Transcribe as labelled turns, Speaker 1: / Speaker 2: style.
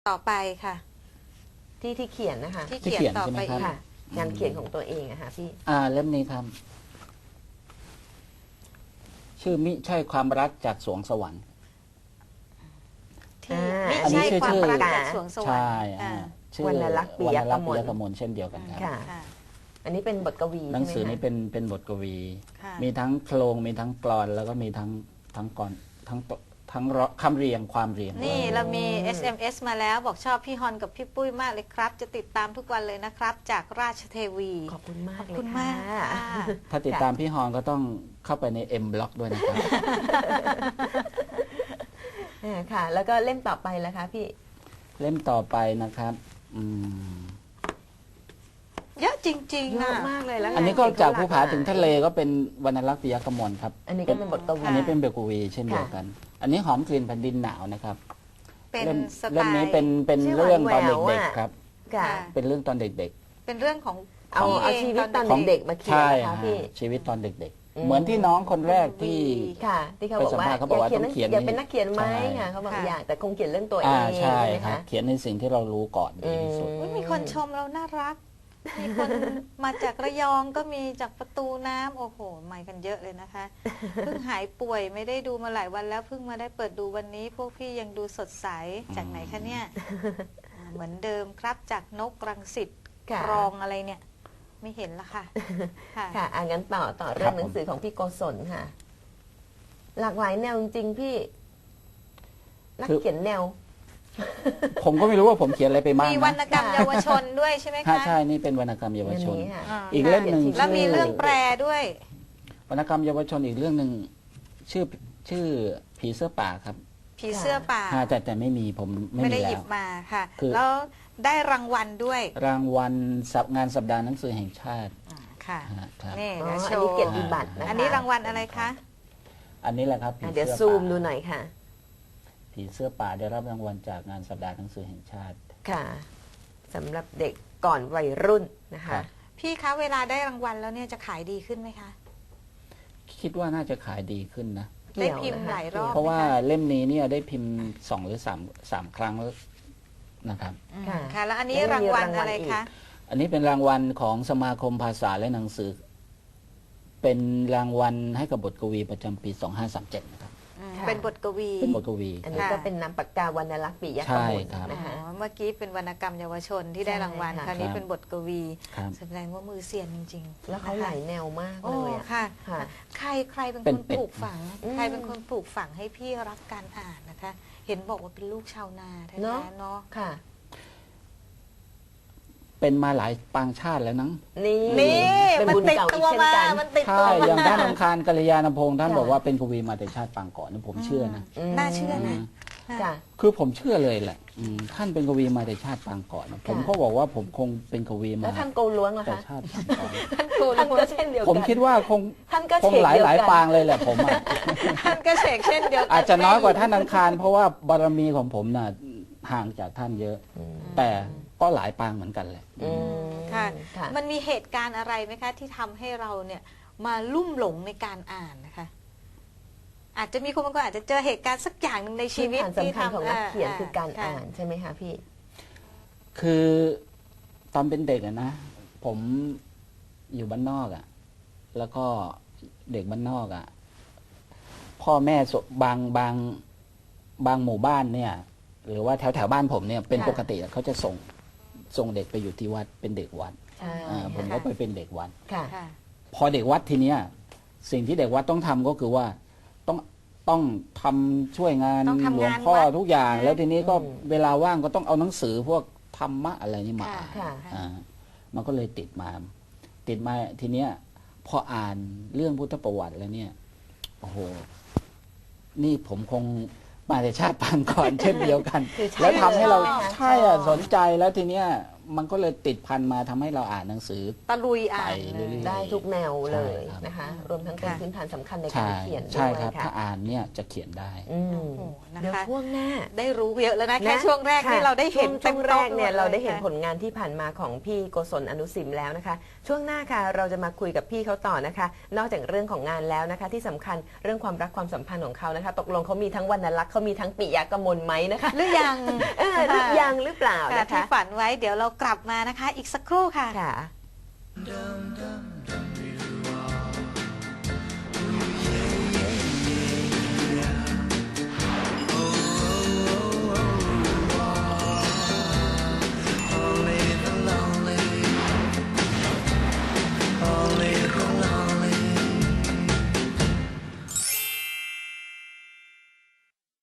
Speaker 1: ต่อไปค่ะ
Speaker 2: ที่เขียนนะคะ
Speaker 1: ที่เขียนต่อไปอีก
Speaker 2: ค่ะงานเขียนของตัวเองอะค่ะพี่
Speaker 3: เล่มนี้ครับ ชื่อมิใช่ความรักจากสวงสวรรค์
Speaker 1: ที่
Speaker 2: อันนี้
Speaker 1: ไม่ใช่
Speaker 3: ชื่อ
Speaker 1: ความรักจากสวงสวรร
Speaker 3: ใช่
Speaker 1: ค์อ่า
Speaker 3: ชื่อ
Speaker 2: วรรณลักษณ์ปิยกมล
Speaker 3: วรรณลักษณ์ปิยกมลเช่นเดียวกันครับ
Speaker 2: ค่ะ
Speaker 1: ค่ะ
Speaker 2: อันนี้เป็นบทกวี
Speaker 3: หนังสือ
Speaker 2: ใช่ไหม
Speaker 3: นี้
Speaker 2: คะ
Speaker 3: เป็นบทกวี
Speaker 1: ค่ะ
Speaker 3: มีทั้งโครงมีทั้งกลอน แล้วก็มีทั้งกลอนทั้งคำเรียงความเรียง
Speaker 1: นี่เรามี SMS มาแล้วบอกชอบพี่ฮอนกับพี่ปุ้ยมากเลยครับ จะติดตามทุกวันเลยนะครับ จากราชเทวี
Speaker 2: ขอบคุณมาก
Speaker 1: ขอบ
Speaker 2: เลย
Speaker 1: คุณ
Speaker 2: ค่ะ
Speaker 1: มากค่ะ
Speaker 3: ถ้าติดตามพี่ฮอนก็ต้องเข้าไปใน M Block ด้วยนะครับ
Speaker 2: ค่ะ แล้วก็เล่มต่อไปแล้วคะพี่
Speaker 3: เล่มต่อไปนะครับ
Speaker 1: เยอะจริง
Speaker 2: เย
Speaker 1: ๆ
Speaker 2: อะ
Speaker 1: นะ
Speaker 2: มากเลยแล้ว
Speaker 3: อันนี้ก็จากภูผาถึงทะเลก็เป็นวรรณลักษณ์ปิยกมลครับ
Speaker 2: อันนี้ก็เป็นบทกวี
Speaker 3: อันนี้เป็นบทกวีเช่นเดียวกัน อันนี้หอมกลิ่นแผ่นดินหนาวนะครับ
Speaker 1: เป็น
Speaker 3: เล่ม
Speaker 1: สไต
Speaker 3: เล่มนี้
Speaker 1: ล์
Speaker 3: เป็น
Speaker 2: ชื่อ
Speaker 3: เรื่องตอน
Speaker 2: หวานแหวว
Speaker 3: เด็ก
Speaker 2: อะ
Speaker 3: ๆครับ
Speaker 2: ค่ะ
Speaker 1: ค่ะ
Speaker 3: เป็นเรื่องตอนเด็ก
Speaker 1: เป็นเรื่องของ
Speaker 2: เอา
Speaker 1: พี่
Speaker 2: เอาชีวิตตอน
Speaker 1: ของ
Speaker 2: เด็กๆมา
Speaker 3: ๆ
Speaker 2: เขียน
Speaker 3: ใช่
Speaker 2: นะคะ
Speaker 3: ฮะ
Speaker 2: พี่
Speaker 3: ชีวิตตอนเด็ก
Speaker 2: อื
Speaker 3: ๆ
Speaker 2: ม
Speaker 3: เหมือนที่น้องคนแรกที่
Speaker 2: ค่ะ ที่เขา
Speaker 3: ไป
Speaker 2: บอก
Speaker 3: สัม
Speaker 2: ว่า
Speaker 3: ภาษณ์เขาบอกว่าต้องเขียน
Speaker 2: อยากเป็นนักเขียนไหม
Speaker 3: ใช่
Speaker 2: ค่ะเขาบอก
Speaker 1: ค่ะ
Speaker 2: อยากแต่คงเขียนเรื่องตัวเอง
Speaker 3: ใช่
Speaker 2: ไหม
Speaker 3: ครับ
Speaker 2: คะ
Speaker 3: เขียนในสิ่งที่เรารู้ก่อนดีที่สุด
Speaker 1: อุ๊ยมีคนชมเราน่ารัก มีคนมาจากระยองก็มีจากประตูน้ำโอ้โหมากันเยอะเลยนะคะ เพิ่งหายป่วยไม่ได้ดูมาหลายวันแล้วเพิ่งมาได้เปิดดูวันนี้ พวกพี่ยังดูสดใสจากไหนคะเนี่ยเหมือนเดิมครับจากนกรังสิต
Speaker 2: ค่ะ
Speaker 1: ครองอะไรเนี่ย ไม่เห็นละค่ะค่ะ
Speaker 2: ค่ะงั้นต่อเรื่องหนังสือของพี่โกศลค่ะ หลากหลายแนวจริงๆพี่ นัก
Speaker 3: คือ
Speaker 2: เขียนแนว
Speaker 3: ผมก็ไม่รู้ว่าผมเขียนอะไรไปบ้าง
Speaker 1: มีวรรณ
Speaker 3: นะ
Speaker 1: กรรมเยาวชนด้วยใช่ไหม
Speaker 3: ค่ะ
Speaker 1: คะ
Speaker 3: ใช่นี่เป็นวรรณกรรมเยาวชน
Speaker 2: เรื่องนี้ค่ะ
Speaker 1: อ่า
Speaker 3: อีกเล่มหนึ่ง
Speaker 1: แล้วมีเรื่องแปรด้วย
Speaker 3: วรรณกรรมเยาวชนอีกเรื่องหนึ่งชื่อผีเสื้อป่าครับ
Speaker 1: ผีเสื้อป่า
Speaker 3: แต่ไม่มีผมไม่
Speaker 1: ไม่
Speaker 3: มี
Speaker 1: ได้ห
Speaker 3: แล้
Speaker 1: ยิบ
Speaker 3: ว
Speaker 1: มาค่ะ
Speaker 3: คือ
Speaker 1: แล้วได้รางวัลด้วย
Speaker 3: รางวัลงานสัปดาห์หนังสือแห่งชาติ
Speaker 1: ค่ะ
Speaker 3: ครับ
Speaker 1: นี่
Speaker 2: อ๋อ
Speaker 1: เดี๋ยวโช
Speaker 2: อันนี้
Speaker 1: ว์
Speaker 2: เกียรติบัตรนะคะ
Speaker 1: อันนี้รางวัลอะไรคะ
Speaker 3: อันนี้แหละครับผี
Speaker 2: เดี๋ยว
Speaker 3: เสื้อ
Speaker 2: ซูม
Speaker 3: ป่า
Speaker 2: ดูหน่อยค่ะ
Speaker 3: ผีเสื้อป่าได้รับรางวัลจากงานสัปดาห์หนังสือแห่งชาติ
Speaker 2: ค่ะสำหรับเด็กก่อนวัยรุ่นนะ
Speaker 3: ครั
Speaker 2: คะ
Speaker 3: บ
Speaker 1: พี่คะเวลาได้รางวัลแล้วเนี่ยจะขายดีขึ้นไหมคะ
Speaker 3: คิดว่าน่าจะขายดีขึ้นนะ
Speaker 1: ได้พิมพ์หลายรอบ
Speaker 3: เพราะว่าเล่มนี้เนี่ยได้พิมพ์2 หรือ3ครั้งแล้วนะครับ
Speaker 1: ค่ะ ค่ะ แล้วอันนี้รางวัลอะไรคะ
Speaker 3: อันนี้เป็นรางวัลของสมาคมภาษาและหนังสือ เป็นรางวัลให้กับบทกวีประจำปี 2537 นะครับ
Speaker 1: เป็นบทกวี
Speaker 3: เป็นบทกวี
Speaker 2: อันนี้ก็เป็นนามปากกาวรรณลักษณ์ปิยก
Speaker 3: ใช่
Speaker 2: มล
Speaker 3: ครับ
Speaker 2: นะคะ
Speaker 1: เมื่อกี้เป็นวรรณกรรมเยาวชนที่ได้รางวัล
Speaker 2: ใช่ค่ะ
Speaker 1: คราวนี้เป็นบทกวี
Speaker 3: ครับ
Speaker 1: แสดงว่ามือเซียนจริงๆ
Speaker 2: แล้วเขาหลายแนวมาก
Speaker 1: โอ้
Speaker 2: เลยอะ
Speaker 1: ค่ะ
Speaker 2: ค่ะ
Speaker 1: ใครเป็น
Speaker 3: เป็
Speaker 1: คน น
Speaker 3: เป็ด
Speaker 1: ปลูกฝัง
Speaker 2: อืม
Speaker 1: ใครเป็นคนปลูกฝังให้พี่รักการอ่านนะคะ เห็นบอกว่าเป็นลูกชาวนาแท้
Speaker 2: เนอะ
Speaker 1: ๆเนาะ
Speaker 2: ค่ะ
Speaker 3: เป็นมาหลายปางชาติแล้วนัง
Speaker 2: นี่
Speaker 1: นี่
Speaker 2: เป็น
Speaker 1: มัน
Speaker 2: บุญ
Speaker 1: ติด
Speaker 2: เก่า
Speaker 1: ตั
Speaker 2: อี
Speaker 1: ว
Speaker 2: กเช่น
Speaker 1: มา
Speaker 2: กัน
Speaker 1: มันติด
Speaker 3: ใช่
Speaker 1: ตัว
Speaker 3: อย่าง
Speaker 1: มา
Speaker 3: ท่านอังคารกัลยาณพงศ์ท่าน
Speaker 2: ค่ะ
Speaker 3: บอกว่าเป็นกวีมาแต่ชาติปางก่อนนะผมเชื่อนะ
Speaker 1: น่าเชื่อนะ
Speaker 2: ค่ะ
Speaker 3: คือผมเชื่อเลยแหละท่านเป็นกวีมาแต่ชาติปางก่อนนะผมก็บอกว่าผมคงเป็นกวีมา
Speaker 2: แล้วท่านโกล้วงล่ะ
Speaker 3: แต่
Speaker 2: คะ
Speaker 3: ชาติปางก่อน
Speaker 2: ท่านก็เช่นเดียวกัน
Speaker 3: ผมคิดว่าคง
Speaker 2: ท่านก็
Speaker 3: คง
Speaker 2: เฉก
Speaker 3: หลาย
Speaker 2: เดียว
Speaker 3: หลาย
Speaker 2: กัน
Speaker 3: ปางเลยแหละผมอะ
Speaker 1: ท่านก็เฉกเช่นเดียวกัน
Speaker 3: อาจจะน้อยกว่าท่านอังคาร เพราะว่าบารมีของผมน่ะห่างจากท่านเยอะ แต่ก็หลายปางเหมือนกันแหละ
Speaker 2: อืม
Speaker 1: ค่ะ
Speaker 2: ค่ะ
Speaker 1: มันมีเหตุการณ์อะไรไหมคะ ที่ทำให้เราเนี่ยมาลุ่มหลงในการอ่านนะคะ อาจจะมีคนบางคนอาจจะเจอเหตุการณ์สักอย่างหนึ่งในชีวิต
Speaker 2: พื้น
Speaker 1: ที่
Speaker 2: ฐานสำคัญของนักเขียนคือการ
Speaker 1: ค่ะ
Speaker 2: อ่านใช่ไหมคะพี่
Speaker 3: คือตอนเป็นเด็กอะนะ ผมอยู่บ้านนอกอะแล้วก็เด็กบ้านนอกอะพ่อแม่บางหมู่บ้านเนี่ย หรือว่าแถวบ้านผมเนี่ยเป็น
Speaker 2: ค่ะ
Speaker 3: ปกติอะเขาจะส่งเด็กไปอยู่ที่วัดเป็นเด็กวัด
Speaker 2: ใช่
Speaker 3: ผมก็ไปเป็นเด็กวัด
Speaker 2: ค่ะ
Speaker 1: ค่ะ
Speaker 3: พอเด็กวัดทีเนี้ยสิ่งที่เด็กวัดต้องทำก็คือว่าต้องทำช่วยงาน
Speaker 1: ต้องทำ
Speaker 3: หลวง
Speaker 1: งาน
Speaker 3: พ่อ
Speaker 1: วัด
Speaker 3: ทุกอย่าง
Speaker 1: นะ
Speaker 3: แล้วทีนี้ก็
Speaker 2: อืม
Speaker 3: เวลาว่างก็ต้องเอาหนังสือพวกธรรมะอะไรนี่มา
Speaker 1: ค่ะ
Speaker 3: อ่าน
Speaker 2: ค่ะ
Speaker 1: ค่ะ
Speaker 3: มันก็เลยติดมาทีเนี้ยพออ่านเรื่องพุทธประวัติแล้วเนี่ยโอ้โหนี่ผมคงมาแต่ชาติปางก่อน เช่นเดียวกัน
Speaker 2: คือใช่
Speaker 3: แล้วทำให้เรา
Speaker 2: เลยนะคะ
Speaker 3: ใช่อ่ะสนใจแล้วทีเนี้ยมันก็เลยติดพันมาทำให้เราอ่านหนังสือ
Speaker 1: ตะลุยอ่าน
Speaker 3: ไป
Speaker 1: เล
Speaker 3: เรื่
Speaker 1: ย
Speaker 3: อย
Speaker 2: ได้ทุกแนวเลย
Speaker 3: ใช่ครับ
Speaker 2: นะคะ รวมทั้งเป็น
Speaker 1: ค่ะ
Speaker 2: พื้นฐานสำคัญในกา
Speaker 3: ใช่
Speaker 2: รเขียนด้
Speaker 3: ใช่
Speaker 2: วย
Speaker 3: ครับ
Speaker 2: ค่ะ
Speaker 3: ถ้าอ่านเนี่ยจะเขียนได้
Speaker 2: อืม
Speaker 1: โอ้โหนะคะ
Speaker 2: เดี๋ยวช่วงหน้า
Speaker 1: ได้รู้เยอะแล้วนะแค่
Speaker 2: นะ
Speaker 1: ช่วงแรก
Speaker 2: ค่ะ
Speaker 1: ที่เราได้เห็น
Speaker 2: ช่วงแรกเนี่ย
Speaker 1: ต็มโต๊ะ
Speaker 2: เราได้เห็น
Speaker 1: ค่ะ
Speaker 2: ผลงานที่ผ่านมาของพี่โกศลอนุสิมแล้วนะคะ ช่วงหน้าค่ะเราจะมาคุยกับพี่เขาต่อนะคะ นอกจากเรื่องของงานแล้วนะคะ ที่สำคัญเรื่องความรักความสัมพันธ์ของเขานะคะ ตกลงเขามีทั้งวรรณลักษณ์เขามีทั้งปิยกมลไหมนะคะ
Speaker 1: หรือยัง
Speaker 2: หรือยังหรือเปล่า
Speaker 1: ค่ะ
Speaker 2: นะ
Speaker 1: ที่
Speaker 2: คะ
Speaker 1: ฝันไว้เดี๋ยวเรากลับมานะคะ อีกสักครู่ค่ะ
Speaker 2: ค่ะ